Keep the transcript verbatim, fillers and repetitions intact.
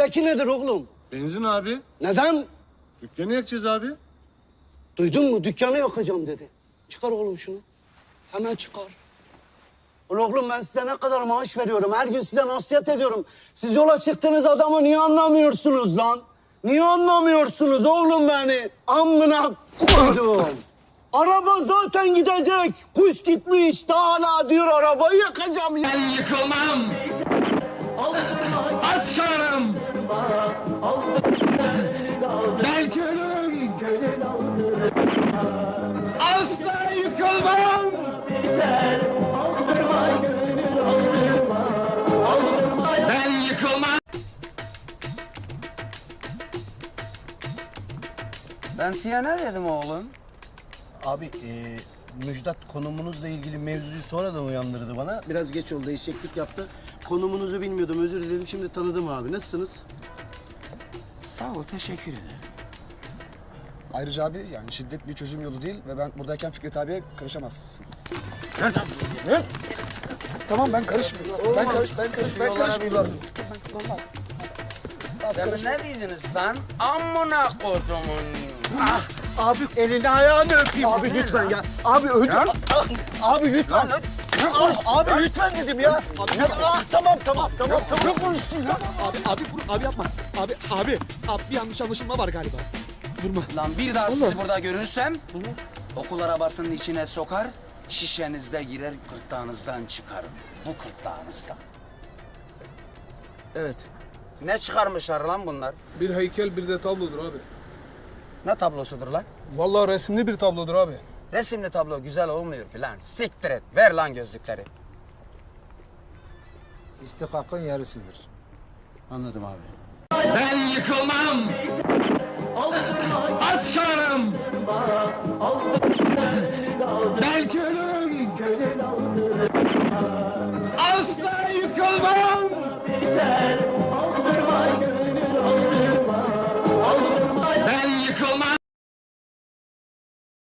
Elindeki nedir oğlum? Benzin abi. Neden? Dükkanı yakacağız abi. Duydun mu? Dükkanı yakacağım dedi. Çıkar oğlum şunu. Hemen çıkar. Oğlum ben size ne kadar maaş veriyorum. Her gün size nasihat ediyorum. Siz yola çıktığınız adamı niye anlamıyorsunuz lan? Niye anlamıyorsunuz oğlum beni? Amına koydum. Araba zaten gidecek. Kuş gitmiş. Daha hala diyor arabayı yakacağım. Ben yıkılmam. Aç karnım. Belki ölürüm. Asla yıkılmam. Ben yıkılmam. Ben size ne dedim oğlum? Abi e, Müjdat konumunuzla ilgili mevzuyu sonradan uyandırdı bana. Biraz geç oldu, eşeklik yaptı. Konumunuzu bilmiyordum, özür dilerim. Şimdi tanıdım abi. Nasılsınız? Sağ ol, teşekkür ederim. Ayrıca abi yani şiddet bir çözüm yolu değil ve ben buradayken Fikret abiye karışamazsın. Ne? Tamam ben karışmıyorum. Ben karış ben karış ben karışmıyorum. Demin ne dediniz lan? Amına kodumun. Ah! Abi elini ayağını öpeyim. Abi lütfen ya. Abi ödü. Abi lütfen. Ah, abi lütfen dedim ya. Ah tamam tamam tamam tamam. Abi, abi, abi yapma. Abi, abi, abi bir yanlış anlaşılma var galiba. Vurma. Lan bir daha sizi burada görürsem okul arabasının içine sokar, şişenizde girer, kırtlağınızdan çıkarım. Bu kırtlağınızdan. Evet. Ne çıkarmışlar lan bunlar? Bir heykel bir de tablodur abi. Ne tablosudur lan? Vallahi resimli bir tablodur abi. Resimli tablo güzel olmuyor ki lan. Siktir et. Ver lan gözlükleri. İstikakın yarısıdır. Anladım abi. Ben yıkılmam. Aç karnım. Belki ölürüm. Asla yıkılmam.